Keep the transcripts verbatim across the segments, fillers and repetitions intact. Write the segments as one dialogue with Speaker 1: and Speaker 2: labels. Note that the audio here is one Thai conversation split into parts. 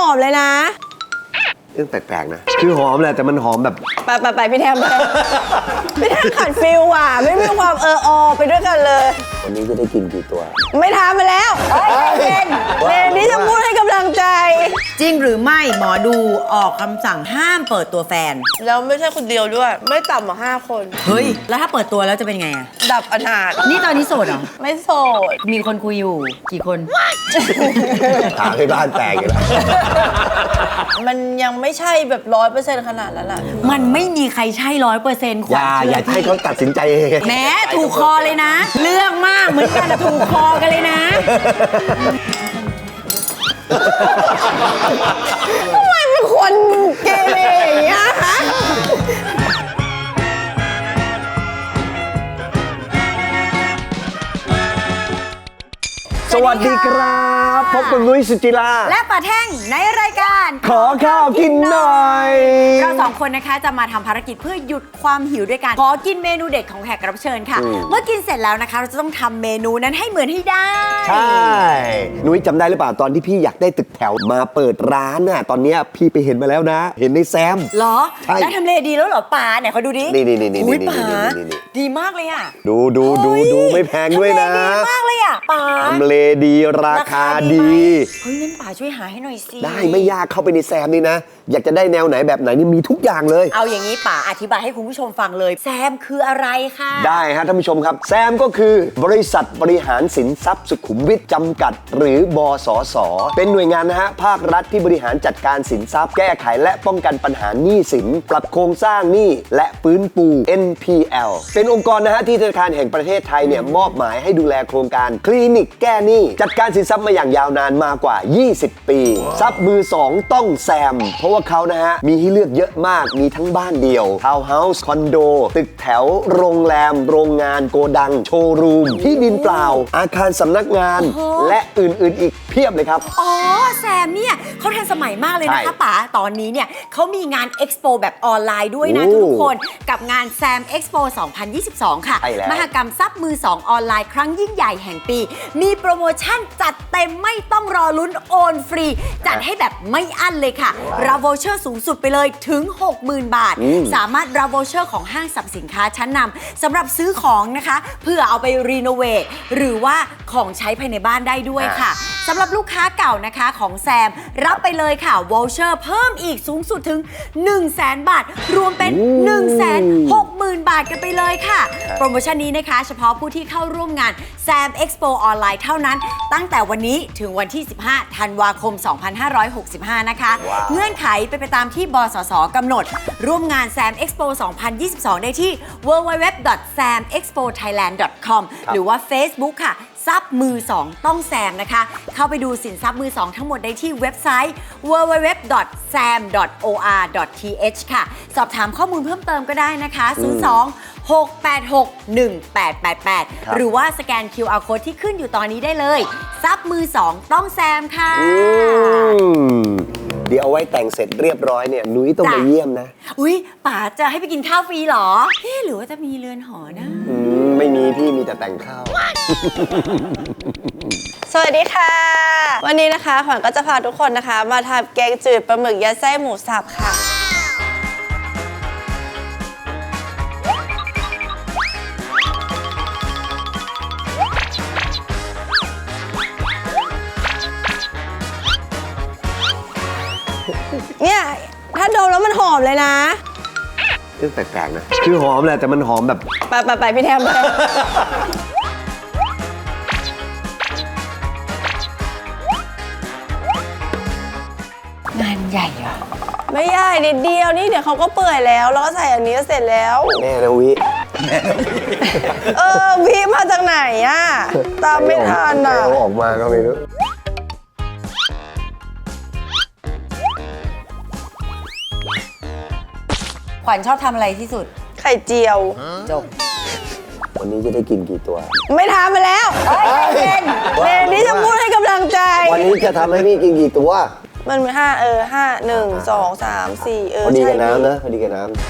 Speaker 1: อมเลยนะ
Speaker 2: เรื่องแปลกๆนะคือหอมแหละแต่มันหอมแบบ
Speaker 1: ไปไปไปพี่แทมไปพี่แทมขัดฟิลว่ะไม่มีความเอออไปด้วยกันเลย
Speaker 2: วันนี้จะได้กินกี่ตัว
Speaker 1: ไม่ทำมาแล้วเล่นเล่นนี่จะพูดให้กำลังใจ
Speaker 3: จริงหรือไม่หมอดูออกคำสั่งห้ามเปิดตัวแฟน
Speaker 1: แล้วไม่ใช่คนเดียวด้วยไม่ต่ำกว่าห้าคน
Speaker 3: เฮ้ยแล้วถ้าเปิดตัวแล้วจะเป็นไงอะ
Speaker 1: ดับอนาถ
Speaker 3: นี่ตอนนี้โสดเหรอ
Speaker 1: ไม่โสด
Speaker 3: มีคนคุยอยู่กี่คน
Speaker 2: ถามให้บ้านแตกอยู่แล้ว
Speaker 1: มันยังไม่ใช่แบบร้อยเปอร์เซ็นต์ขนาดนั้นแหละ
Speaker 3: มันไม่มีใครใช่ร้อยเปอร์เซ็นต์
Speaker 2: อย่าอย่าให้เขาตัดสินใจเอง
Speaker 3: แม้ถูกคอเลยนะเรื่องมากเหมือนกันถูกคอกันเลยนะ
Speaker 1: ทำไมเป็นคนเกเรอย่างเงี้ยฮะ
Speaker 2: สวัสดีครับพบกับนุ้ยสุจิรา
Speaker 3: และป่าแท่งในรายการ
Speaker 2: ขอข้าวกินหน่อย
Speaker 3: เราสองคนนะคะจะมาทำภารกิจเพื่อหยุดความหิวด้วยการขอกินเมนูเด็ดของแขกรับเชิญค่ะเมื่อกินเสร็จแล้วนะคะเราจะต้องทำเมนูนั้นให้เหมือนให้ได้
Speaker 2: ใช่นุ้ยจำได้หรือเปล่าตอนที่พี่อยากได้ตึกแถวมาเปิดร้านน่ะตอนนี้พี่ไปเห็นมาแล้วนะเห็นในแซม
Speaker 3: เหรอได้ทำเลดีแล้วเหรอป่าไหนเขาดูดิ
Speaker 2: นี่นี่นี่นี่
Speaker 3: นี่ป่าดีมากเลยอ่ะ
Speaker 2: ดูดูดูดูไม่แพงด้วยนะ
Speaker 3: ดีมากเลยอ่ะป่า
Speaker 2: ทำเลดีราคาดี
Speaker 3: เฮ้ยงั้นป่าช่วยหาให้หน่อยสิ
Speaker 2: ได้ไม่ยากเข้าไปในแซมนี่นะอยากจะได้แนวไหนแบบไหนนี่มีทุกอย่างเลย
Speaker 3: เอาอย่างนี้ป่าอธิบายให้คุณผู้ชมฟังเลยแซมคืออะไรคะ
Speaker 2: ได้ฮะท่านผู้ชมครับแซมก็คือบริษัทบริหารสินทรัพย์สุขุมวิทจำกัดหรือบสสเป็นหน่วยงานนะฮะภาครัฐที่บริหารจัดการสินทรัพย์แก้ไขและป้องกันปัญหาหนี้สินปรับโครงสร้างหนี้และฟื้นฟู เอ็น พี แอล เป็นองค์กรนะฮะที่ธนาคารแห่งประเทศไทยเนี่ยมอบหมายให้ดูแลโครงการคลินิกแก้หนี้จัดการสินทรัพย์มาอย่างยาวนานมากว่ายี่สิบปีทรัพย์มือสองต้องแซมเพราะว่าเขานะฮะมีให้เลือกเยอะมากมีทั้งบ้านเดี่ยวทาวน์เฮาส์คอนโดตึกแถวโรงแรมโรงงานโกดังโชว์รูมที่ดินเปล่าอาคารสำนักงานและอื่นๆอีกเพียบเลยครับ
Speaker 3: อ๋อแซมเนี่ยเขาทันสมัยมากเลยนะคะป๋าตอนนี้เนี่ยเขามีงานเอ็กซ์โปแบบออนไลน์ด้วยนะทุกคนกับงานแซมเอ็กซ์โปสองพันยี่สิบสองค่ะมหกรรมทรัพย์มือสองออนไลน์ครั้งยิ่งใหญ่แห่งปีมีโปรโมชั่นจัดเต็มไม่ต้องรอลุ้นโอนฟรีจัดให้แบบไม่อั้นเลยค่ะรับโวเชอร์สูงสุดไปเลยถึง หกหมื่น บาทสามารถรับโวเชอร์ของห้างสรรพสินค้าชั้นนำสำหรับซื้อของนะคะเพื่อเอาไปรีโนเวทหรือว่าของใช้ภายในบ้านได้ด้วยค่ะสำหรับลูกค้าเก่านะคะของแซมรับไปเลยค่ะโวเชอร์เพิ่มอีกสูงสุดถึง หนึ่งแสน บาทรวมเป็น หนึ่งแสนหกหมื่น บาทกันไปเลยค่ะโปรโมชั่นนี้นะคะเฉพาะผู้ที่เข้าร่วมงานแซมเอ็กซ์โปออนไลน์เท่านั้นตั้งแต่วันนี้ถึงวันที่สิบห้าธันวาคมสองพันห้าร้อยหกสิบห้านะคะเงื่อนไขไปไปตามที่บสสกำหนดร่วมงาน แซม เอ็กซ์โป สองพันยี่สิบสอง ได้ที่ ดับเบิลยู ดับเบิลยู ดับเบิลยู ดอท แซม เอ็กซ์โป ไทยแลนด์ ดอท คอม หรือว่า Facebook ค่ะทรัพย์มือสองต้องแซมนะคะเข้าไปดูสินทรัพย์มือสองทั้งหมดได้ที่เว็บไซต์ ดับเบิลยู ดับเบิลยู ดับเบิลยู ดอท แซม ดอท โอ อาร์ ดอท ที เอช ค่ะสอบถามข้อมูลเพิ่มเติมก็ได้นะคะศูนย์ สอง หก แปด หก หนึ่ง แปด แปด แปดหรือว่าสแกน คิว อาร์ Code ที่ขึ้นอยู่ตอนนี้ได้เลยทรัพย์มือสองต้องแซมค่ะ
Speaker 2: เดี๋ยวเอาไว้แต่งเสร็จเรียบร้อยเนี่ยนุ้ยต้องมาเยี่ยมนะ
Speaker 3: อุ๊ยป๋าจะให้ไปกินข้าวฟรีเหรอเฮ้หรือว่าจะมีเรือนหอนะ
Speaker 2: อืมไม่มีพี่มีแต่แต่งข้าว
Speaker 1: สวัสดีค่ะวันนี้นะคะขวัญก็จะพาทุกคนนะคะมาทำแกงจืดปลาหมึกยัดไส้หมูสับค่ะเนี่ยถ้าดมแล้วมันหอมเลยนะ
Speaker 2: เรื่องแปลกๆนะคือหอมแหละแต่มันหอมแบบ
Speaker 1: ไปไปไปพี่แทมไป
Speaker 3: งานใหญ่อะ
Speaker 1: ไม่ใหญ่นิดเดียวนี่เดี๋ยวเขาก็เปื่อยแล้วแล้วก็ใส่อันนี้ก็เสร็จแล้ว
Speaker 2: แม่นะวิ
Speaker 1: เออวิมาจากไหนอะตามไม่ทันอะ
Speaker 2: ออกมาก็ไม่รู้
Speaker 3: ขวัญชอบทำอะไรที่สุด
Speaker 1: ไข่เจียว
Speaker 3: จบ
Speaker 2: วันนี้จะได้กินกี่ตัว
Speaker 1: ไม่ทำมาแล้วเล่นเล่นนี่จะพูดให้กำลังใจ
Speaker 2: วันนี้จะทำให้พี่กินกี่ตัว
Speaker 1: มันมีห้าเออห้าหนึ่งสองสามสี่เออ
Speaker 2: พอดีกับน้ำนะพอดีกับน้ำ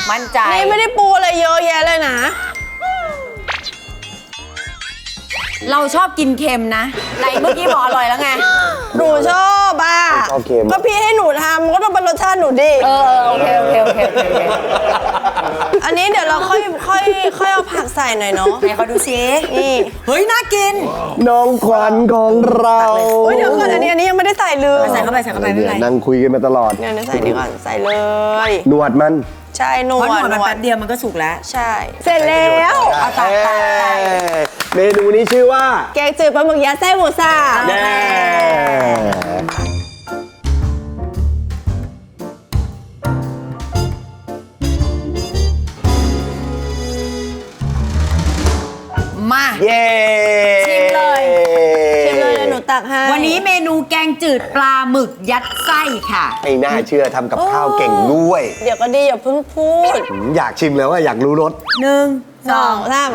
Speaker 3: มั่นใจ
Speaker 1: นี่ไม่ได้ปูอะไรเยอะแยะเลยนะ
Speaker 3: เราชอบกินเค็มนะไหนเมื่อกี้บอกอร่อยแล้วไง
Speaker 1: หนูชอบอ่ะ
Speaker 2: ชอบเค็ม
Speaker 1: ก็พี่ให้หนูทำก็ต้องเป็นรสชาติหนูดิ
Speaker 3: เออโอเคโอเคโอเคโอเค
Speaker 1: อันนี้เดี๋ยวเราค่อยค่อยค่อยเอาผักใส่หน่อยเนาะ
Speaker 3: ไหนเขาดูซิ
Speaker 1: นี่
Speaker 3: เฮ้ยน่ากิน
Speaker 2: น้องขวัญของเรา
Speaker 1: โอ้ยเดี๋ยวก่อนอันนี้อันนี้ยังไม่ได้ใส่เลย
Speaker 3: ใส่เข้าไปใส่เข้าไปไม่เป็นไร
Speaker 2: นั่งคุยกันมาตลอด
Speaker 1: เนี่ยเดี๋ยวใส่ดีก่อนใส่เลย
Speaker 2: หนวดมัน
Speaker 1: ใช่หน
Speaker 3: เพ
Speaker 1: ว
Speaker 3: ราะห
Speaker 1: ด
Speaker 3: นวดมันแป๊บเดียวมันก็สุกแล้ว
Speaker 1: ใช่ เสร็จแล้วเอาตักตักตัก
Speaker 2: เมนูนี้ชื่อว่า
Speaker 1: แกงจืดปลาหมึกยัดไส้หมูสับ
Speaker 2: แน่
Speaker 3: มา
Speaker 2: เย้
Speaker 3: ชิมเลย
Speaker 1: ชิมเลยเดี๋ยวหนูตักให้
Speaker 3: วันนี้เมนูแกงจืดปลาหมึกยัดไส้ค่ะ
Speaker 2: ไม่น่าเชื่อทำกับข้าวเก่งด้วย
Speaker 1: เดี๋ยวก็ดีอย่าเพิ่งพูด
Speaker 2: อืมอยากชิมแล้วว่าอยากรู้รส
Speaker 3: หนึ่ง
Speaker 1: สองสาม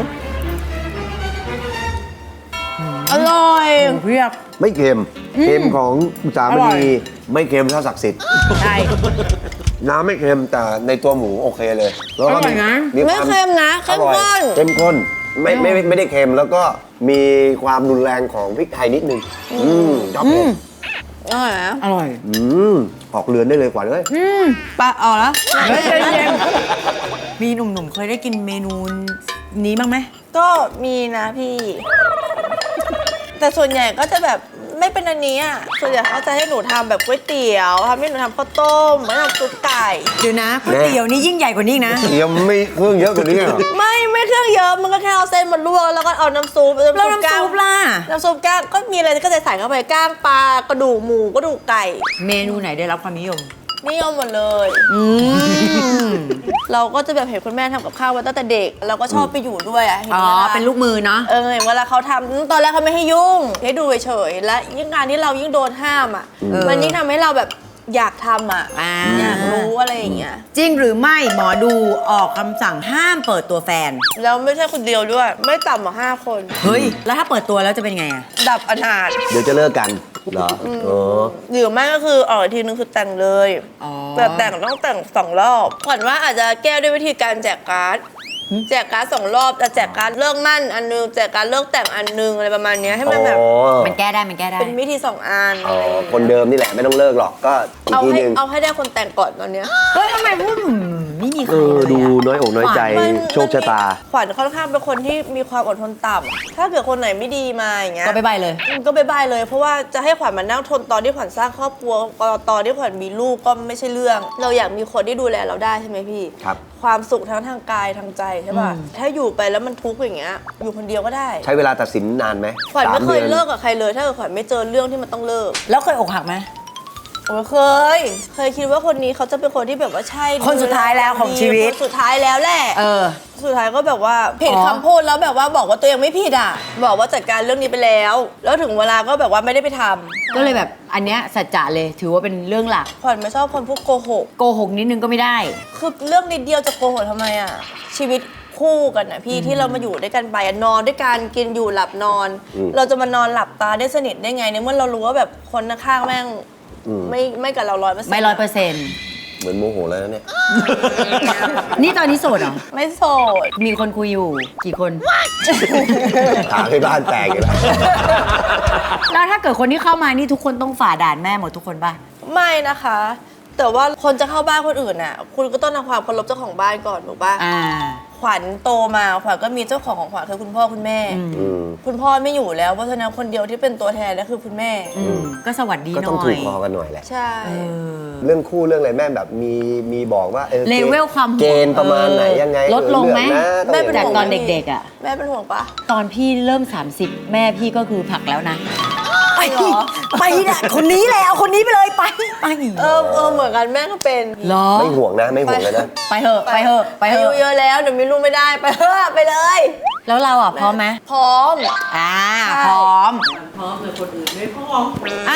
Speaker 1: อร่อย
Speaker 3: เพียบ
Speaker 2: ไม่เค็ม เค็มของสาม
Speaker 3: อร่อย
Speaker 2: ณีไม่เค็มเท่าศักดิ์สิทธิ์
Speaker 3: ใช่
Speaker 2: น้ำไม่เค็มแต่ในตัวหมูโอเคเลย แล้วก็
Speaker 3: อร่อยนะ
Speaker 2: มี
Speaker 1: ไม่
Speaker 2: วา
Speaker 1: เค็มนะเข้ม
Speaker 2: อร่อย
Speaker 1: ข้น
Speaker 2: เข้มข้นไม่ไม่ไม่ไม่ได้เค็มแล้วก็มีความรุนแรงของพริกไทยนิดนึงอืมชอบเผ็ด
Speaker 1: อร่อยนะ
Speaker 3: อร่อย
Speaker 2: อืมออกเรือนได้เลยกว่าเลย
Speaker 1: ปลาเอาแล้ว
Speaker 3: เฮ้ยเย็นๆมีหนุ่มๆเคยได้กินเมนูนี้บ้างไหม
Speaker 1: ก็มีนะพี่ แต่ส่วนใหญ่ก็จะแบบไม่เป็นอันนี้อ่ะส่วนใหญ่เขาจะให้หนูทำแบบก๋วยเตี๋ยวทำให้หนูทำข้าวต้มไม่ทำซุปไก่
Speaker 3: เดี๋ยวนะก๋วยเตี๋ยวนี่ยิ่งใหญ่กว่านี้อีกนะ
Speaker 2: เดี๋ยวไม่เครื่องเยอะกว่านี้เหรอ
Speaker 1: ไม่ไม่เครื่องเยอะมันก็แค่เอาเส้นมาลวกแล้วก็เอาน้ำซุป
Speaker 3: แล้วน้ำซุปล่ะ
Speaker 1: น้ำซุปก้างก็มีอะไรก็จะใส่เข้าไปก้างปลากระดูกหมูกระดูกไก่
Speaker 3: เมนูไหนได้รับความนิยม
Speaker 1: นิยมหมดเลย
Speaker 3: อืม
Speaker 1: เราก็จะแบบเห็นคุณแม่ทำกับข้าวมาตั้งแต่เด็ก เราก็ชอบไปอยู่ด้วยอ่ะห็น
Speaker 3: อ๋อ
Speaker 1: วา
Speaker 3: เป็นลูกมือเนาะ
Speaker 1: เออเห็นเวลาเขาทำตอนแรกเขาไม่ให้ยุ่งให้ดูเฉยๆและยิ่งการที่เรายิ่งโดนห้ามอ่ะ
Speaker 3: เออ
Speaker 1: มันยิ่งทำให้เราแบบอยากทำอ่ะ
Speaker 3: อ่า
Speaker 1: อยากรู้อะไรอย่างเงี้ย
Speaker 3: จริงหรือไม่หมอดูออกคำสั่งห้ามเปิดตัวแฟน
Speaker 1: แล้วไม่ใช่คนเดียวด้วย ไม่ต่ำกว่าห้าคน
Speaker 3: เฮ้ย แล้วถ้าเปิดตัวแล้วจะเป็นไงอะ
Speaker 1: ดับอนาถ
Speaker 2: เดี๋ยวจะเลิกกันเหรออ๋อ
Speaker 1: หรือไม่ก็คือออกอีกทีนึงคือแต่งเลย
Speaker 3: อ๋อ
Speaker 1: แบบแต่งต้องแต่งสองรอบขวัญว่าอาจจะแก้ด้วยวิธีการแจกการ์ดแจกการ์ดสองรอบจะแจกการ์ดเลิกมั่นอันนึงแจกการ์ดเลิกแต่งอันนึงอะไรประมาณเนี้ยให้มันแบบ
Speaker 2: อ๋อ
Speaker 3: มันแก้ได้มันแก้ได้
Speaker 1: เป็นวิธีสองอัน
Speaker 2: อ๋อคนเดิมนี่แหละไม่ต้องเลิกหรอกก็อีก
Speaker 1: เอา
Speaker 2: ที
Speaker 1: ให้
Speaker 2: หนึง
Speaker 1: เอาให้ได้คนแต่งก่อนตอนเนี้ย
Speaker 3: เฮ้ยทำไมพูดอืมไม่มีใค
Speaker 2: เอ
Speaker 3: ร
Speaker 2: อ
Speaker 3: เลย
Speaker 2: ดู
Speaker 3: อะ
Speaker 2: น้อยอกน้อยใจ
Speaker 1: มัน
Speaker 2: โชคชะตา
Speaker 1: ขวัญค่อนข้างเป็นคนที่มีความอดทนต่ำถ้าเกิดคนไหนไม่ดีมาอย่างเงี้ย
Speaker 3: ก็ไปใบเลย
Speaker 1: ก็บายบายเลยเพราะว่าจะให้ขวัญมานั่งทนตอนที่ขวัญสร้างครอบครัวตอนที่ขวัญมีลูกก็ไม่ใช่เรื่อง เราอยากมีคนที่ดูแลเราได้ใช่ไหมพี่
Speaker 2: ครับ
Speaker 1: ความสุขทั้งทางกายทางใจใช่ป่ะ
Speaker 3: อืม
Speaker 1: ถ้าอยู่ไปแล้วมันทุกข์อย่างเงี้ยอยู่คนเดียวก็ได้
Speaker 2: ใช้เวลาตัดสินนานไหม
Speaker 1: ขวัญไม่เคย
Speaker 2: สาดือน
Speaker 1: เลิกกับใครเลย ถ้าเกิดขวัญไม่เจอเรื่องที่มันต้องเลิก
Speaker 3: แล้วเคยอกหักไหม
Speaker 1: โอ้ยเคย เคยคิดว่าคนนี้เขาจะเป็นคนที่แบบว่าใช่
Speaker 3: คนสุดท้ายแล้วของชีวิต
Speaker 1: คนสุดท้ายแล้วแหละ
Speaker 3: เออ
Speaker 1: สุดท้ายก็แบบว่าผิด
Speaker 3: อ๋อ
Speaker 1: คำพูดแล้วแบบว่าบอกว่าตัวเองไม่ผิดอ่ะ บอกว่าจัดการเรื่องนี้ไปแล้ว แล้วถึงเวลาก็แบบว่าไม่ได้ไปทำ
Speaker 3: ก็เลยแบบอันเนี้ยสัจจะเลยถือว่าเป็นเรื่องหลัก
Speaker 1: ขวัญไม่ชอบคนพูดโกหก
Speaker 3: โกหกนิดนึงก็ไม่ได้
Speaker 1: คือเรื่องนิดเดียวจะโกหกทำไมอ่ะ ชีวิตคู่กันนะพี่ที่เรามาอยู่ด้วยกันไปอะนอนด้วยกันกินอยู่หลับนอน เราจะมานอนหลับตาได้สนิทได้ไงในเมื่อเรารู้ว่าแบบคนข้างๆแม่งไม่ไม่กับเราร้อยเปอร์เซ็นต์
Speaker 3: ไม่ร้อยเปอร์เซ็นต์
Speaker 2: เหมือนโมโหแล้วนะเนี่ย
Speaker 3: นี่ตอนนี้โสดเหรอ
Speaker 1: ไม่โสด
Speaker 3: มีคนคุยอยู่กี่คน
Speaker 2: ถามให้บ้านแตกอีกแล้ว
Speaker 3: แล้วถ้าเกิดคนที่เข้ามานี่ทุกคนต้องฝ่าด่านแม่หมดทุกคนป่ะ
Speaker 1: ไม่นะคะ แต่ว่าคนจะเข้าบ้านคนอื่นน่ะ คุณก็ต้องทำความเคารพเจ้าของบ้านก่อนถูกปะ
Speaker 3: อ่า
Speaker 1: ขวัญโตมาขวัญก็มีเจ้าของของขวัญคือคุณพ่อคุณแม่
Speaker 2: อืม
Speaker 1: คุณพ่อไม่อยู่แล้วเพราะฉะนั้นคนเดียวที่เป็นตัวแทนก็คือคุณแม่
Speaker 3: อืมก็สวัสดี
Speaker 2: ก็
Speaker 3: ห
Speaker 2: ต้อง
Speaker 3: น่อ
Speaker 2: ถู
Speaker 3: ย
Speaker 2: กคอกันหน่อยแหละ
Speaker 1: ใช่
Speaker 3: เออ
Speaker 2: เรื่องคู่เรื่องอะไรแม่แบบมีมีบอกว่าเออ
Speaker 3: เลเวลความ
Speaker 2: เกณฑ์ประมาณไหนยังไง
Speaker 3: ลดลงไหม
Speaker 2: เออเลือกนะ
Speaker 1: แม่เป็น
Speaker 3: จาก
Speaker 1: ห่วง
Speaker 3: ตอน
Speaker 1: ไหม
Speaker 3: เด็กๆอ่ะ
Speaker 1: แม่เป็นห่วงปะ
Speaker 3: ตอนพี่เริ่ม สามสิบ แม่พี่ก็คือผลักแล้วนะ ไป
Speaker 1: เหรอ
Speaker 3: ไปนะคนนี้แหละเอาคนนี้ไปเลยไปไป
Speaker 1: เออเออเหมือนกันแม่ก็เป็น
Speaker 3: เหรอ
Speaker 2: ไม่ห่วงนะไม่ห่วงเลยนะ
Speaker 3: ไปเถอะไปเถอะไปเถ
Speaker 1: อายุ
Speaker 3: อะ
Speaker 1: เยอะแล้วเดี๋ยวมีลูกไม่ได้ไปเถอะไปเลย
Speaker 3: แล้วเราอ่ะพร้อมไหม
Speaker 1: พร้อม
Speaker 3: อ่า
Speaker 1: ใช่
Speaker 3: พร้อม
Speaker 4: พร้อมแต่คนอื่นไม่พร้อม
Speaker 3: อ้าว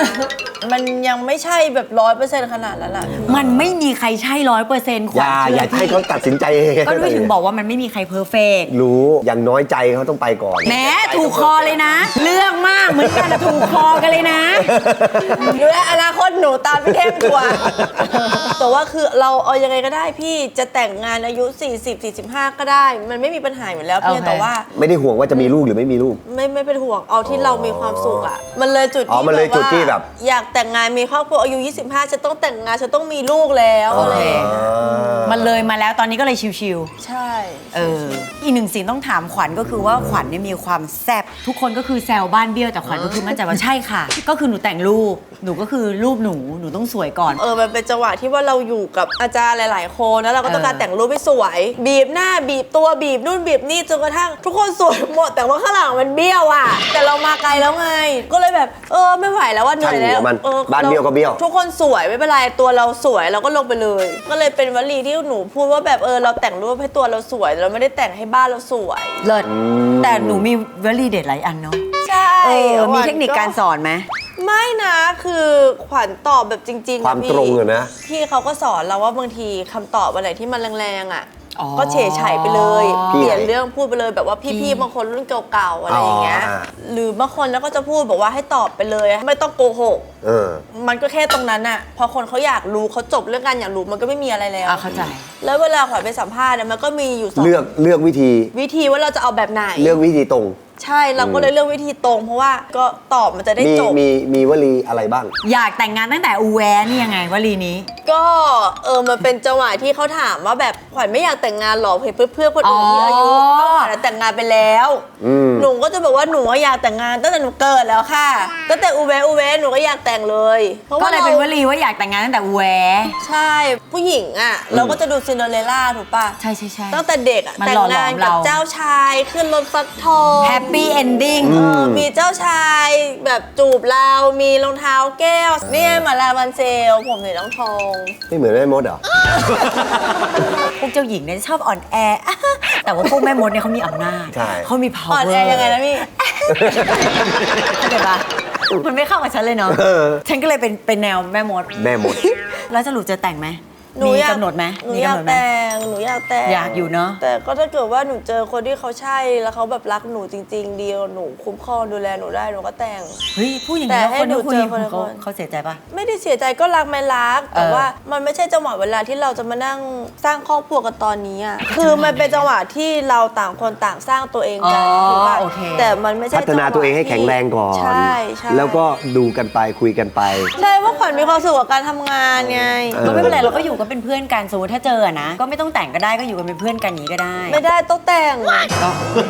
Speaker 1: มันยังไม่ใช่แบบร้อยเปอร์เซ็นต์ขนาดนั้นแหละ
Speaker 3: มันไม่มีใครใช่ร้อยเปอร์เซ็นต์ข
Speaker 2: อ
Speaker 3: วัญ
Speaker 2: ย่า
Speaker 3: เชื่
Speaker 2: อย่าให้เขาตัดสินใจเอง
Speaker 3: ก็ด้วยถึงบอกว่ามันไม่มีใครเพอร์เฟกต์
Speaker 2: รู้อย่างน้อยใจเขาต้องไปก่อน
Speaker 3: แหมถูกคอเลยนะ เรื่องมากเหมือนกันอะถูกคอกันเลยนะ
Speaker 1: ดูแลอนาคตหนูตามพี่เข้มกว่า แต่ว่าคือเราเอายังไงก็ได้พี่จะแต่งงานอายุ สี่สิบ สี่สิบห้า ก็ได้ มันไม่มีปัญหาอยู่แล้วเพียง
Speaker 3: โอเค
Speaker 1: แต่ว่า
Speaker 2: ไม่ได้ห่วงว่าจะมีลูกหรือไม่มีลูก
Speaker 1: ไม่ไม่เป็นห่วงเอาที่เรามีความสุขอ่ะมันเลยจุด
Speaker 2: อ๋อ
Speaker 1: ที่
Speaker 2: มันเลยจุดที่แบบ
Speaker 1: ว่าอยากแต่งงานมีครอบครัวอายุ ยี่สิบห้าจะต้องแต่งงานจะต้องมีลูกแล้วอะไรอย่างเงี้ย
Speaker 3: มันเลยมาแล้วตอนนี้ก็เลยชิว
Speaker 1: ใช่
Speaker 3: ๆเอออีกหนึ่งสิ่งต้องถามขวัญก็คือว่าขวัญเนี่ยมีความแซ่บทุกคนก็คือแซวบ้านเบี้ยวแต่ขวัญก็คือมั่นใจว่าใช่ค่ะ ก็คือหนูแต่งรูปหนูก็คือรูปหนูหนูต้องสวยก่อน
Speaker 1: เออมันเป็นจังหวะที่ว่าเราอยู่กับอาจารย์หลาย ๆ คนแล้วเราก็ต้องการ
Speaker 3: เออ
Speaker 1: แต่งรูปให้สวย บีบหน้าบีบตัวบีบนู่นบีบนี่จนกระทั่งทุกคนสวยหมดแต่ว่าข้างหลังมันเบี้ยวอ่ะแต่เรามาไกลแล้วไง ก็เลยแบบเออไม่ไหวแล้วว่าเหนื่อยแล้ว
Speaker 2: ช่างหัวมัน
Speaker 1: ออ
Speaker 2: บ้านเบี้ยวก็เบี้ยว
Speaker 1: ทุกคนสวยไม่เป็นไรตัวเราสวยเราก็ลงไปเลย ก็เลยเป็นวลีที่หนูพูดว่าแบบเออเราแต่งรูปให้ตัวเราสวยเราไม่ได้แต่งให้บ้านเราสวย
Speaker 3: เลิศแต่หนูมีวลีเด็ดหลายอันเนาะ
Speaker 1: ใช่
Speaker 3: เออมี
Speaker 1: ขวัญ
Speaker 3: เทคนิคการสอนไหม
Speaker 1: ไม่นะคือขวัญตอบแบบจริงๆ
Speaker 2: ความ
Speaker 1: นะพี่
Speaker 2: ตรงอะนะ
Speaker 1: พี่เขาก็สอนเราว่าบางทีคำตอบอะไรที่มันแรงๆอ่ะ
Speaker 3: อ๋อ
Speaker 1: ก็เฉยไฉไปเลย
Speaker 2: พี่
Speaker 1: เปลี่ยน
Speaker 2: ไหน
Speaker 1: เรื่องพูดไปเลยแบบว่า
Speaker 3: พี่
Speaker 1: พี่ๆบางคนรุ่นเก่าๆอะไรอย่างเงี้ย
Speaker 2: อ๋ออ่า
Speaker 1: หรือบางคนแล้วก็จะพูดบอกว่าให้ตอบไปเลยไม่ต้องโกหก
Speaker 2: เออ
Speaker 1: มันก็แค่ตรงนั้นน่ะพอคนเขาอยากรู้เขาจบเรื่องการอยากรู้มันก็ไม่มีอะไรแล้ว
Speaker 3: อ่ะเข้าใจ
Speaker 1: แล้วเวลาขวัญไปสัมภาษณ์เนี่ยมันก็มีอยู่สอง
Speaker 2: เลือกเลือกวิธี
Speaker 1: วิธีว่าเราจะเอาแบบไหน
Speaker 2: เลือกวิธีตรง
Speaker 1: ใช่เราก็เลยเลือกวิธีตรง เพราะว่าก็ตอบมันจะได้
Speaker 2: มี
Speaker 1: จบ
Speaker 2: มีมีวลีอะไรบ้าง
Speaker 3: อยากแต่งงานตั้งแต่อูแวนี่ยังไงวลีนี้
Speaker 1: ก็เออมันเป็นจังหวะที่เขาถามว่าแบบขวัญไม่อยากแต่งงานหรอเพื่อเพื่อคนอื่นที่อายุ
Speaker 3: อ๋อ
Speaker 1: เท่าขวัญแต่งงานไปแล้ว
Speaker 2: อืม
Speaker 1: หนูก็จะบอกว่าหนูก็อยากแต่งงานตั้งแต่หนูเกิดแล้วค่ะตั้งแต่อูเวอูเวหนูก็อยากแต่งเลยเพราะ
Speaker 3: ก็
Speaker 1: ว่า
Speaker 3: เลย
Speaker 1: เรา
Speaker 3: เป็นวลีว่าอยากแต่งงานตั้งแต่อูแว
Speaker 1: ใช่ผู้หญิงอ่ะเราก็จะดูซินเดอเรลล่าถูกป่ะ
Speaker 3: ใช่ใช่ใช่
Speaker 1: ตั้งแต่เด็กอะ
Speaker 3: มัน
Speaker 1: แต่ง
Speaker 3: หล่อหล
Speaker 1: งา
Speaker 3: อน ม
Speaker 1: กับ
Speaker 3: เรา
Speaker 1: เจ้าชายขึ้นรถฟักทอง
Speaker 3: แฮปปี้เอนดิ้ง
Speaker 1: เออมีเจ้าชายแบบจูบเรา มีรองเท้าแก้ว เนี่ยมาลาบันเซล ผมสีน้องทอง
Speaker 2: ไม่เหมือนแม่มดเหรอ
Speaker 3: พวกเจ้าหญิงเนี่ยชอบอ่อนแอ แต่ว่าพวกแม่มดเนี่ยเขามีอำนาจ
Speaker 2: ใช่
Speaker 3: เขามี power
Speaker 1: อ่อนแอยังไงนะพี่
Speaker 3: เข้าใจปะมันไม่เข้ากับฉันเลยเนาะ
Speaker 2: เออ
Speaker 3: ฉันก็เลยเป็นเป็นแนวแม่มด
Speaker 2: แม่มด
Speaker 3: แล้วสรุปจะแต่งไหม
Speaker 1: หนู
Speaker 3: มี
Speaker 1: อยาก
Speaker 3: กำหนดไหม
Speaker 1: หนู
Speaker 3: มี
Speaker 1: อยาก
Speaker 3: กำหนดไหม
Speaker 1: แต่ง หนูอยากแต่ง
Speaker 3: อยากอยู่เนอะ
Speaker 1: แต่ก็ถ้าเกิดว่าหนูเจอคนที่เขาใช่ แล้วเขาแบบรักหนูจริง ๆ ดีหนูคุ้มครองดูแลหนูได้หนูก็แต่ง
Speaker 3: เฮ้ยพูดอย่าง
Speaker 1: แต่
Speaker 3: นี้
Speaker 1: ให้
Speaker 3: คนที่
Speaker 1: หนู
Speaker 3: คุย
Speaker 1: เจอคนละ
Speaker 3: เขา
Speaker 1: คน
Speaker 3: เขาเสียใจปะ
Speaker 1: ไม่ได้เสียใจก็รักไม่รัก แต่
Speaker 3: เออ
Speaker 1: ว่ามันไม่ใช่จังหวะเวลาที่เราจะมานั่งสร้างครอบครัวกันตอนนี้อ่ะคือมันเป็นจังหวะที่เราต่างคนต่างสร้างตัวเองกัน
Speaker 3: อ๋อ
Speaker 1: ถูกป่ะ
Speaker 3: โอเค
Speaker 1: แต่มันไม่ใช่
Speaker 2: พัฒนาตัวเองให้แข็งแรงก่อน
Speaker 1: ใช่ใช่
Speaker 2: แล้วก็ดูกันไปคุยกันไป
Speaker 1: ใช่ว่าขวัญมีความสุขกับการทำงานไง
Speaker 2: เออ
Speaker 3: ก็ไม่เป็นไรเราก็อยู่กันเป็นเพื่อนกันสมมติถ้าเจออะนะก็ไม่ต้องแต่งก็ได้ก็อยู่กันเป็นเพื่อนกันอย่างนี้ก็ได้
Speaker 1: ไม่ได้ต้องแต่ง
Speaker 3: ก็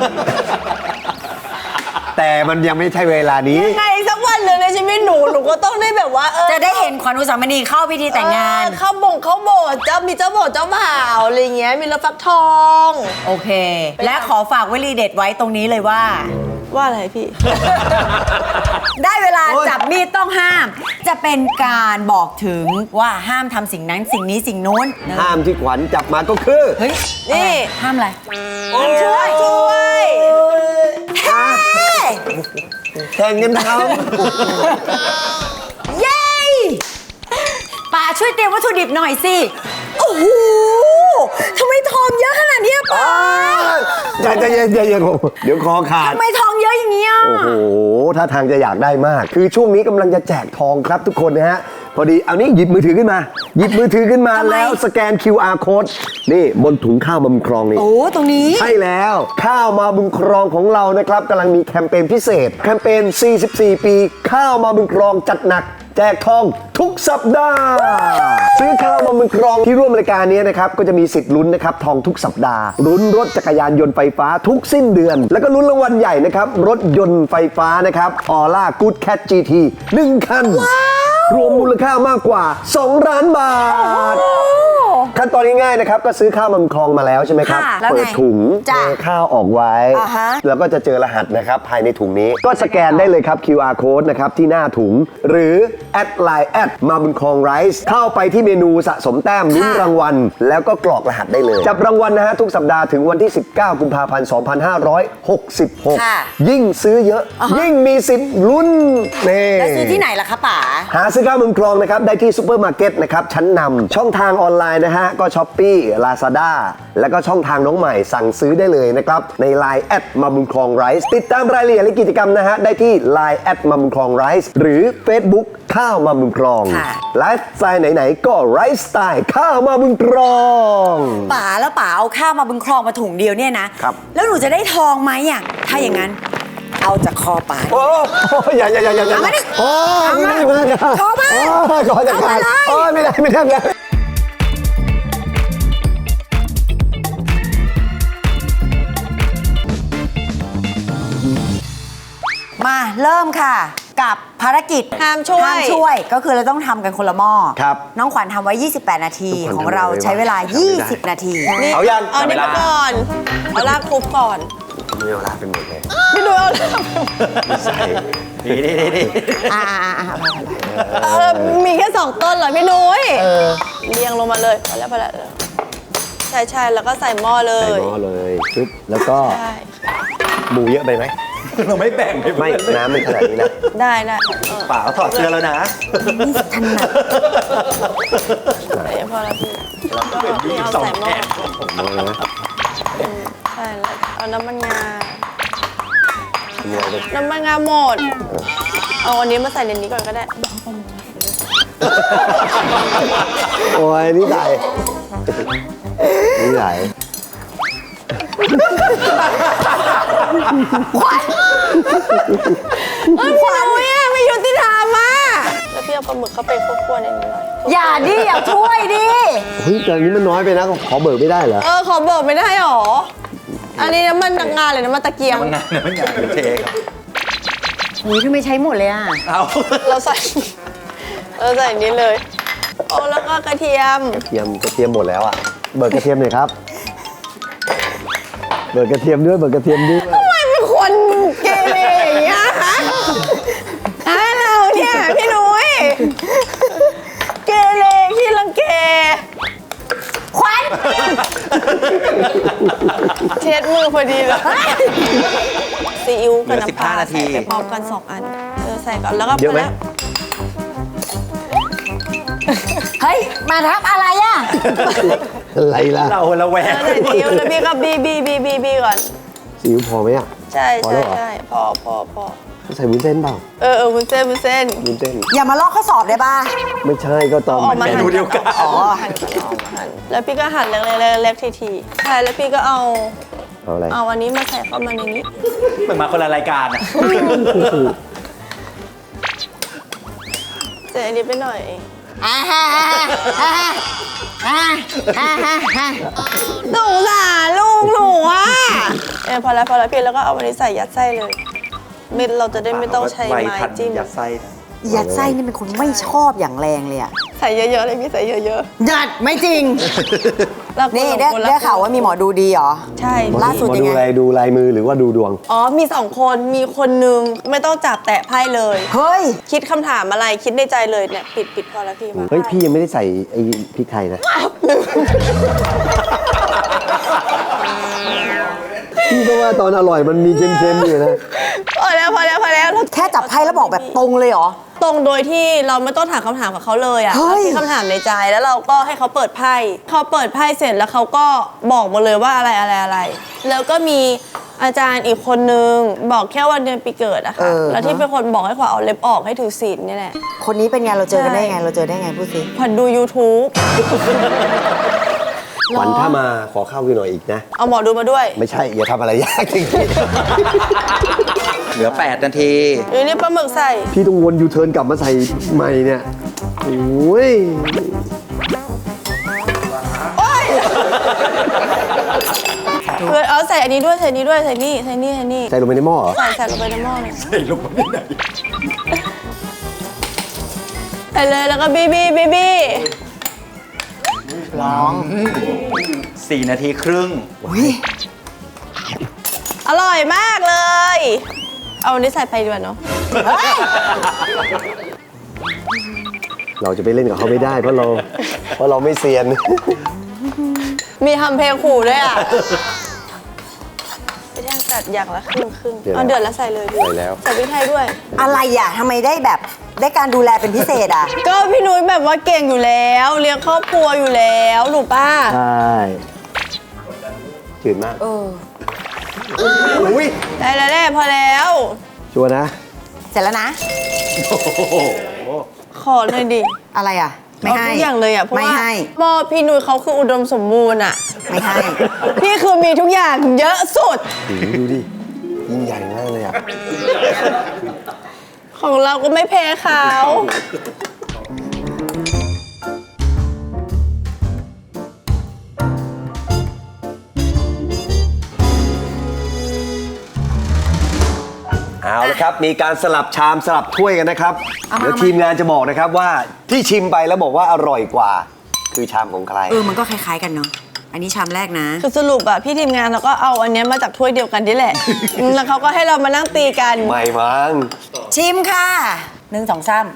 Speaker 2: แต่มันยังไม่ใช่เวลานี้
Speaker 1: ยังไงสักวันหนึ่งในชีวิตหนูหนูก็ต้องได้แบบว่าเออ
Speaker 3: จะได้เห็นขวัญอุสามณีเข้าพิธีแต่งงาน
Speaker 1: เออเข้าบ่งเข้าโบสถ์เจ้ามีเจ้าโบสถ์เจ้าบ่าวอะไรเงี้ยมีรถฟักทอง
Speaker 3: โอเค และขอฝากวลีเด็ดไว้ตรงนี้เลยว่า
Speaker 1: ว่าอะไรพี่
Speaker 3: ได้เวลา
Speaker 2: โอ๊ย
Speaker 3: จับมีดต้องห้าม จะเป็นการบอกถึงว่าห้ามทำสิ่งนั้นสิ่งนี้สิ่งนู้น
Speaker 2: ห้ามที่ขวัญจับมาก็คือ
Speaker 3: เฮ้ย
Speaker 1: นี่
Speaker 3: อะไรห้ามอะไร
Speaker 1: ช่วยช่วย
Speaker 2: แข่งกันท
Speaker 3: เย้ป่าช่วยเตรียมวัตถุดิบหน่อยสิ โอ้โหทำไมทองเยอะขนาดเนี้ย
Speaker 2: ำ
Speaker 3: ป่า
Speaker 2: ใจใจเย็นใจเย็นผมเดี๋ยวคอขาด
Speaker 3: ทำไมทองเยอะอย่างเงี้ย
Speaker 2: โอ้โหถ้าทางจะอยากได้มาก คือช่วงนี้กำลังจะแจกทองครับทุกคนนะฮะ พอดีเอานี้หยิบมือถือขึ้นมา หยิบมือถือขึ้นมา
Speaker 3: ทำไม
Speaker 2: แล้วสแกน คิว อาร์ Code นี่บนถุงข้าวมาบุญครองนี่
Speaker 3: โอ้ตรงนี้
Speaker 2: ใช่แล้ว ข้าวมาบุญครองของเรานะครับกำลังมีแคมเปญพิเศษ แคมเปญ สี่สิบสี่ ปี ข้าวมาบุญครองจัดหนัก แจกทองทุกสัปดาห์ ซื้อข้าวมาบุญครองที่ร่วมรายการนี้นะครับก็จะมีสิทธิ์ลุ้นนะครับทองทุกสัปดาห์ลุ้นรถจักรยานยนต์ไฟฟ้าทุกสิ้นเดือน แล้วก็ลุ้นรางวัลใหญ่นะครับรถยนต์ไฟฟ้านะครับออร่ากู๊ดแคท จี ที หนึ่งคัน รวมมูลค่ามากกว่า สองล้านบาท คขั้นตอนง่ายๆนะครับก็ซื้อข้าวมันคลองมาแล้วใช่ไหมครับ
Speaker 3: ค่ะแล้วไง
Speaker 2: เปิดถุง
Speaker 3: จ้ะ
Speaker 2: เทข้าวออกไว้
Speaker 3: อ่าฮะ
Speaker 2: แล้วก็จะเจอรหัสนะครับภายในถุงนี้ก็สแกนได้เลยครับ คิว อาร์ code นะครับที่หน้าถุง หรือแอดไลน์แอดมาบุญคลองไรซ์เข้าไปที่เมนูสะสมแต้มลุ้นรางวัล แล้วก็กรอกรหัสได้เลย จับรางวัลนะฮะทุกสัปดาห์ถึงวันที่ สิบเก้า กุมภาพันธ์ สองพันห้าร้อยหกสิบหก
Speaker 3: ค่ะ
Speaker 2: ยิ่งซื้อเยอะ ยิ่งมีสิทธิ์ลุ้นนี่
Speaker 3: แล้วซื้อที่ไหนล่ะคะป๋า
Speaker 2: หาซื้อข้าวมุมคลองนะครับได้ที่ซูเปอร์มาร์เก็ตนะครับชั้นนำช่องทางออนไลน์นะฮะก็ช้อปปี้ ลาซาด้า แล้วก็ช่องทางน้องใหม่สั่งซื้อได้เลยนะครับใน ไลน์ แอดมาบุญคลองไรซ์ติดตามรายละเอียดและกิจกรรมนะฮะได้ที่ ไลน์ แอดมาบุญคลองไรซ์หรือ Facebook ข้าวมาบุญคลอง
Speaker 3: ค่ะ
Speaker 2: ไลฟ์สไตล์ไหนๆก็ไรซ์สไตล์ข้าวมาบุญคลอง
Speaker 3: ป๋าแล้วป๋าเอาข้าวมาบุญคลองมาถุงเดียวเนี่ยนะครับ แล้วหนูจะได้ทองไหมอ่ะถ้าอย่างนั้น เอาจากคอป๋า
Speaker 2: โอ้อย่าอย่าอย่าอย่าอย่า
Speaker 3: เอามาดิ
Speaker 2: โอ้
Speaker 3: เอามา
Speaker 2: ไม่ได้ไม่ได้
Speaker 3: โทรมา
Speaker 2: โอ้ขอจัดการ
Speaker 3: เอามาเลย
Speaker 2: โอ้ไม่ได้ไม่ได้ไม่ได้
Speaker 3: มาเริ่มค่ะกับภารกิจ
Speaker 1: ห้ามช่วย
Speaker 3: ห้ามช่วยก็คือเราต้องทำกันคนละหม้อ
Speaker 2: ครับ
Speaker 3: น้องขวัญทำไว้ ยี่สิบแปด นาที
Speaker 2: ทุกคน
Speaker 3: ของเรา
Speaker 2: ทำไว้
Speaker 3: ใช้เวลา
Speaker 2: ไม่ได้
Speaker 3: ยี่สิบ นาที
Speaker 1: นี่
Speaker 2: เอายัง
Speaker 1: เอานี่มาก่อนเอาลากคลุกก่อน
Speaker 2: มีเวลาเป็นหมดเลย
Speaker 1: พี่ดูเอาลาก
Speaker 2: ใส่นี่นี่นี่
Speaker 3: อ่าอ่าอ่าไปไปไป
Speaker 1: เออมีแค่สองต้นเหรอพี่นุ้ยเรียงลงมาเลยพอแล้วพอแล้วใช่ใช่แล้วก็ใส่หม้อเล
Speaker 2: ใส่
Speaker 1: ย
Speaker 2: หม้อเลยปึ๊บแล้วก็
Speaker 1: ใช่
Speaker 2: หมูเยอะไปไหม
Speaker 4: เราไม่แบ่งให้
Speaker 2: ไม่
Speaker 4: เพื่อน
Speaker 2: น้ำมันขนาดนี้นะ
Speaker 1: ได้ได้เออ
Speaker 4: ป่าถอดเสื้อแล้วนะ
Speaker 1: ใส่พอแล้วพี่แล้วก็นี่เอาใส่หม้อ
Speaker 2: หม้อนะ
Speaker 1: อืมใช่แล้วเอาน้ำมันงา
Speaker 2: ทำยังไงดี
Speaker 1: น้ำมันงาหมดเอาอันนี้มาใส่ในนี้ก่อนก็ได้
Speaker 2: โอ้ยนี่ใหญ่นี่ใหญ่
Speaker 1: เอ้ยพี่นุ้ยอะไม่ยุติธรรมอ่ะแล้วพี่เอาปลาหมึกเข้าไปคั่วๆในนี้หน่อย
Speaker 3: อย่าดิอย่าช่วยดิ
Speaker 2: เฮ้ยแต่อันนี้มันน้อยไปนะขอเบิกไม่ได้เหรอ
Speaker 1: เออขอบอกไม่ได้หรอ อันนี้น้ำมันงาเลยน้ำมันตะเกียง
Speaker 4: มันงานเนี่ยมันงานเป็นเทครับ
Speaker 3: อุ้ยทำไมใช้หมดเลยอ่ะ
Speaker 4: เอา
Speaker 1: เราใส่เราใส่อันนี้เลยโอ้แล้วก็กระเทียม
Speaker 2: กระเทียมกระเทียมหมดแล้วอ่ะเบิกกระเทียมหน่อยครับเบิกกระเทียมด้วยเบิกกระเทียมด้วย
Speaker 1: ทำไมเป็นคนเกเรอย่างเงี้ยฮะฮะเราเนี่ยพี่นุ้ยเกเรขี้รังเก
Speaker 3: ควัน
Speaker 1: เช็ดมือพอดีเลยซีอิ๊วกับน้ำปลา
Speaker 4: เหลือสิบห้านาที
Speaker 1: ใส่ไปพร้อมกันสองอันเออใส่ก่อนแล้วก็
Speaker 2: เยอะไหม
Speaker 1: พแล้ว
Speaker 3: เฮ้ยมาทับอะไรอ่ะ
Speaker 2: อะไรล่ะ
Speaker 4: เราละแว
Speaker 1: เอง อใส่ซีอิ๊วแล้วพี่ก็บีบีบีบีบีก่อน
Speaker 2: ซีอิ๊วพอไหมอ่ะ
Speaker 1: ใช่
Speaker 2: พอแล้
Speaker 1: ใช่
Speaker 2: วเหรอ
Speaker 1: ใช่พอพอพอ
Speaker 2: ใส่วุ้นเส้นเปล่า
Speaker 1: เออเออวุ้นเส้นวุ้นเส้น
Speaker 2: วุ้นเส้น
Speaker 3: อย่ามาลอกข้อสอบได้ป่ะ
Speaker 2: ไม่ใช่ก็ตอน
Speaker 1: ออกมา
Speaker 4: เม
Speaker 1: หั่น
Speaker 4: นูเดียวกัน
Speaker 1: อ๋อหั่นก่อนเอามาหั่นแล้วพี่ก็หั่นเล็กๆๆๆทีๆใช่แล้วพี่ก็เอา
Speaker 2: เอาอะไร
Speaker 1: เอาอันนี้มาใส่เข้ามาในนี้
Speaker 4: เหมือนมาคนละรายการอ่ะ
Speaker 1: ใส่อันนี้ไปหน่อย
Speaker 3: อ่าฮะอ่าฮะอ่าฮะอ่าฮะ
Speaker 1: สงสารลูกหนูอ่ะเออพอแล้วพอแล้วพี่แล้วก็เอาอันนี้ใส่ยัดไส้เลยเม็ดเราจะได้ไม่ต้องใช้
Speaker 4: ไว
Speaker 1: ไม้
Speaker 4: ทัน
Speaker 1: จิ้ม
Speaker 4: ยัดไส้
Speaker 3: ยัดไส้นี่เป็นคนไม่ชอบอย่างแรงเลยอ่ะ
Speaker 1: ใส่เยอะๆเลยพี่ใส่เยอะ
Speaker 3: ยัดไม่จริง
Speaker 1: ๆแล้ว
Speaker 3: นี่ได้ได้ข่าวว่ามีหมอดูดีเหรอ
Speaker 1: ใช่
Speaker 3: ล่าสุด
Speaker 2: หมอ
Speaker 3: ยัง
Speaker 2: ดู
Speaker 3: ไง
Speaker 2: อะไรดูลายมือหรือว่าดูดวง
Speaker 1: อ๋อมีสองคนมีคนนึงไม่ต้องจับแตะไพ่เลย
Speaker 3: เฮ้ย
Speaker 1: คิดคำถามอะไรคิดในใจเลยเนี่ยปิดปิดพอแล้วพี่มา
Speaker 2: เฮ้ยพี่ยังไม่ได้ใส่ไอ้พริกไทยนะ พี่ก็ว่าตอนอร่อยมันมีเค็มๆอยู่นะ
Speaker 1: พอแล้วพอแล้วพอแล้ว
Speaker 3: แค่จับไพ่แล้วบอกแบบตรงเลยเหรอ
Speaker 1: ตรงโดยที่เราไม่ต้องถามคำถามกับเขาเลยอ่ะ
Speaker 3: เฮ้
Speaker 1: เรา
Speaker 3: ย
Speaker 1: คิดคำถามในใจแล้วเราก็ให้เขาเปิดไพ่เขาเปิดไพ่เสร็จแล้วเขาก็บอกมาเลยว่าอะไรอะไรอะไร แล้วก็มีอาจารย์อีกคนนึงบอกแค่วันเดือนปีเกิดอะค่ะแล้วที่เป็นคนบอกให้ขวัญเอาเล็บออกให้ถือศีลนี่แหละ
Speaker 3: คนนี้เป็นไงเราเจอกันได้
Speaker 1: ใช่
Speaker 3: ไงเราเจอได้ไงพูดสิ
Speaker 1: ขวัญดู YouTube
Speaker 2: ขวัญถ้ามาขอข้าวกินหน่อยอีกนะ
Speaker 1: เอาหมอดูมาด้วย
Speaker 2: ไม่ใช่ อย่าทำอะไรยากจริง
Speaker 4: เหลือแปดนาที
Speaker 1: หรือนี่ปลาหมึกใส่
Speaker 2: ๆพี่ต้องวนยูเทิร์นกลับมาใส่ใหม่เนี่ย โอ้ย
Speaker 1: เพื่อเอาใส่อันนี้ด้วยใส่อันนี้ด้วยใส่นี่ใส่นี่ใส่นี่
Speaker 2: ใส่ลงไปในหม้อเหรอ
Speaker 1: ใส่ใส่ลงไปในหม้อเลย
Speaker 4: ใส่ลงไปที่ไหน
Speaker 1: ใส่เลยแล้วก็บีบีบีบี
Speaker 3: ลอง
Speaker 4: สี่นาทีครึ่ง
Speaker 3: อุ้ย
Speaker 1: อร่อยมากเลย เอาอันนี้ใส่ไปดีกว่าเนาะ
Speaker 2: เราจะไปเล่นกับเขาไม่ได้เพราะเราเพราะเราไม่เซียน
Speaker 1: มีทำเพลงขู่ด้วยอ่ะพี่แท่งตัดอย่างละครึ่งครึ่ง
Speaker 2: เดือดแล้ว
Speaker 1: เอาเดือดแล้วใส่เลยพี่
Speaker 2: ใส่แล้ว
Speaker 1: ใส่พริกไทยด้วย
Speaker 3: อะไรอ่ะทำไมได้แบบได้การดูแลเป็นพิเศษอ่ะ
Speaker 1: ก็พี่นุ้ยแบบว่าเก่งอยู่แล้วเลี้ยงครอบครัวอยู่แล้วหนูป้า
Speaker 2: ใช่จืดมาก
Speaker 3: เออ
Speaker 2: อุ้ย
Speaker 1: ได้แล้วแหละพอแล้ว
Speaker 2: ชัวร์นะ
Speaker 3: เสร็จแล้วนะ
Speaker 1: ขอหน่อยดิ
Speaker 3: อะไรอ่ะ ไม่ให้
Speaker 1: เอาทุกอย่างเลยอ่ะเพราะ
Speaker 3: ไม่
Speaker 1: ว่า
Speaker 3: ให้
Speaker 1: พ่อพี่นุ้ยเขาคืออุดมสมบูรณ์อ่ะ
Speaker 3: ไม่ให้
Speaker 1: พี่คือมีทุกอย่างเยอะสุด
Speaker 2: ดูดูดิยิ่งใหญ่มากเลยอ่ะ
Speaker 1: ของเราก็ไม่แพ้เขา
Speaker 2: เอาละครับ มีการสลับชามสลับถ้วยกันนะครับ
Speaker 3: เอามา
Speaker 2: เดี๋ยวทีมงานจะบอกนะครับว่าที่ชิมไปแล้วบอกว่าอร่อยกว่า คือชามของใคร
Speaker 3: เออ มันก็คล้ายๆกันเนาะ อันนี้ชามแรกนะ
Speaker 1: คือสรุปอ่ะพี่ทีมงานเราก็เอาอันเนี้ยมาจากถ้วยเดียวกันนี่แหละ อืมแล้วเขาก็ให้เรามานั่งตีกัน
Speaker 2: ไม่มั้ง
Speaker 3: ชิมค่ะหนึ่งสองสาม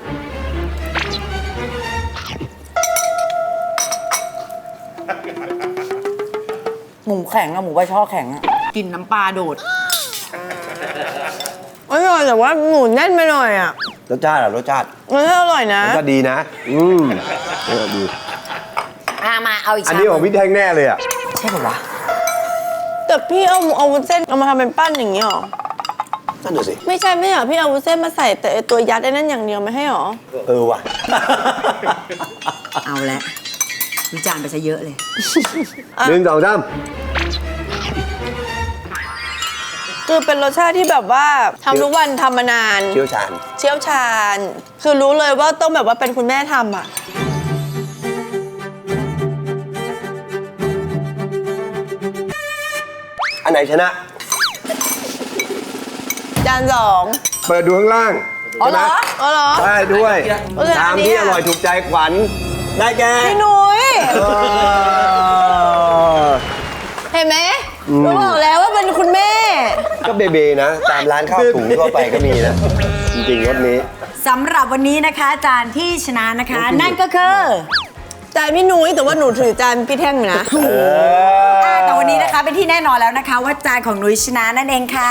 Speaker 3: หมูแข็งอะหมูใบช่อแข็งอะกินน้ำปลาโดด
Speaker 1: อร่อยแต่ว่าหมูแน่นไปหน่อยอ่ะ
Speaker 2: รสชาติอะรสชาติ
Speaker 1: มันอร่อยนะ
Speaker 2: รสชาติดีนะ อืมเออดี
Speaker 3: อ่ะมาเอาอีก
Speaker 2: อัน
Speaker 3: ชาม
Speaker 2: นี้ของพี่แท่งแน่เลยอ่ะ
Speaker 3: ใช่ป่าวะ
Speaker 1: แต่พี่เอาเอาวุ้นเส้นเอามาทำเป็นปั้นอย่างนี้หรอ
Speaker 2: นั่นน่ะสิ
Speaker 1: ไม่ใช่ไม่เหรอพี่เอาวุ้นเส้นมาใส่แต่ไอ้ตัวยัดไอ้นั่นอย่างเดียวไม่ให้หรอ
Speaker 2: เออว่ะ
Speaker 3: เอาละวิจารณ์ไปซะเยอะเลย
Speaker 2: หนึ่งสองสาม
Speaker 1: คือเป็นรสชาติที่แบบว่าทำทุกวันทำมานาน
Speaker 2: เชี่ยวชาญ
Speaker 1: เชี่ยวชาญ คือรู้เลยว่าต้องแบบว่าเป็นคุณแม่ทำอ่ะ
Speaker 2: อันไหนชนะ
Speaker 1: จานสอง
Speaker 2: เปิดดูข้างล่าง
Speaker 1: อ๋อเหรอ
Speaker 2: ใช่ไม
Speaker 1: อ๋อเหรอ
Speaker 2: ใช่ด้วย
Speaker 1: เออ
Speaker 2: ชาม
Speaker 1: อันนี้
Speaker 2: ที่
Speaker 1: อะ
Speaker 2: อร่อยถูกใจขวัญได้แก่
Speaker 1: พี่นุ้ย
Speaker 2: เออ
Speaker 1: เห็นไหมหนูบอกแล้วว่าเป็นคุณแม่
Speaker 2: ก็เบเบนะ ตามร้านข้าวถุงทั่วไปก็มีนะ จริงๆรสนี้
Speaker 3: สำหรับวันนี้นะคะจานที่ชนะนะคะ นั่นก็คือ
Speaker 1: จานพี่นุ้ยแต่ว่าหนูถือจานพี่แท่งอยู่นะ
Speaker 3: อ่าแต่วันนี้นะคะเป็นที่แน่นอนแล้วนะคะ ว่าจานของนุ้ยชนะนั่นเองค่ะ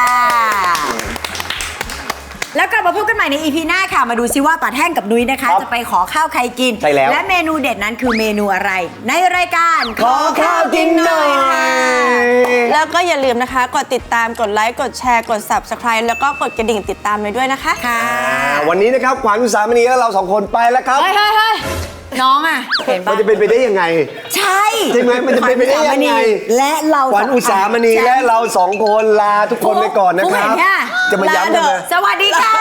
Speaker 3: แล้วกลับมาพบกันใหม่ใน อี พี หน้าค่ะ มาดูซิว่าป่าแท่งกับนุ้ยนะคะ
Speaker 2: ครับ
Speaker 3: จะไปขอข้าวใครกิน
Speaker 2: ใช่แล้ว
Speaker 3: และเมนูเด็ดนั้นคือเมนูอะไร ในรายการ
Speaker 2: ขอข้าวกินหน่อย
Speaker 1: แล้วก็อย่าลืมนะคะ กดติดตามกดไลค์กดแชร์กด ซับสไครบ์ แล้วก็กดกระดิ่งติดตามไปด้วยนะคะ
Speaker 3: ค่ะ
Speaker 2: อ่าวันนี้นะครับขวัญอุตสามณีและเราสองคนไปแล้วครับ
Speaker 1: เฮ้ยเฮ้ยเฮ้ย
Speaker 3: น้องอ่ะเห็น
Speaker 2: มั
Speaker 3: ปะ
Speaker 2: นจะเป็นไปได้ยังไง
Speaker 3: ใช่
Speaker 2: ใช่ไหมมันจะเป็นไปได้ยังไง
Speaker 3: และเรา
Speaker 2: ขวัญอุตสามณีและเราสองคนลาทุกคนไปก่อนนะครับ
Speaker 3: ฟุ๊กเห็นเนี่ย
Speaker 2: จะมาย้ำกันนะ
Speaker 3: สวัสดีค่ะ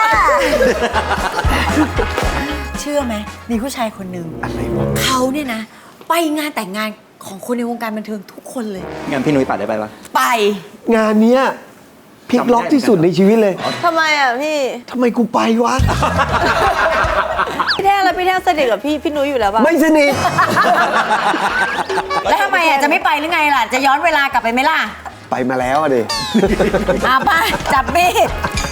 Speaker 3: เชื่อไหมมีผู้ชายคนหนึ่ง
Speaker 2: อะไรวะ
Speaker 3: เขาเนี่ยนะ ไปงานแต่งงานของคนในวงการบันเทิงทุกคนเลย
Speaker 4: งั้นพี่นุ้ยปัดได้ไปปะ
Speaker 3: ไป
Speaker 2: งานเนี้ยพลิกล็อกที่สุดในชีวิตเลย
Speaker 1: ทำไมอ่ะพี่
Speaker 2: ทำไมกูไปวะ
Speaker 1: พี่แท่งแล้วพี่แท่งสนิทกับพี่พี่นุ้ยอยู่แล้วป่ะ
Speaker 2: ไม่สนิท
Speaker 3: แล้วทำไมอ่ะจะไม่ไปหรือไงล่ะ จะย้อนเวลากลับไปไหมล่ะ
Speaker 2: ไปมาแล้วอะดิ
Speaker 3: อาป้าจับมีด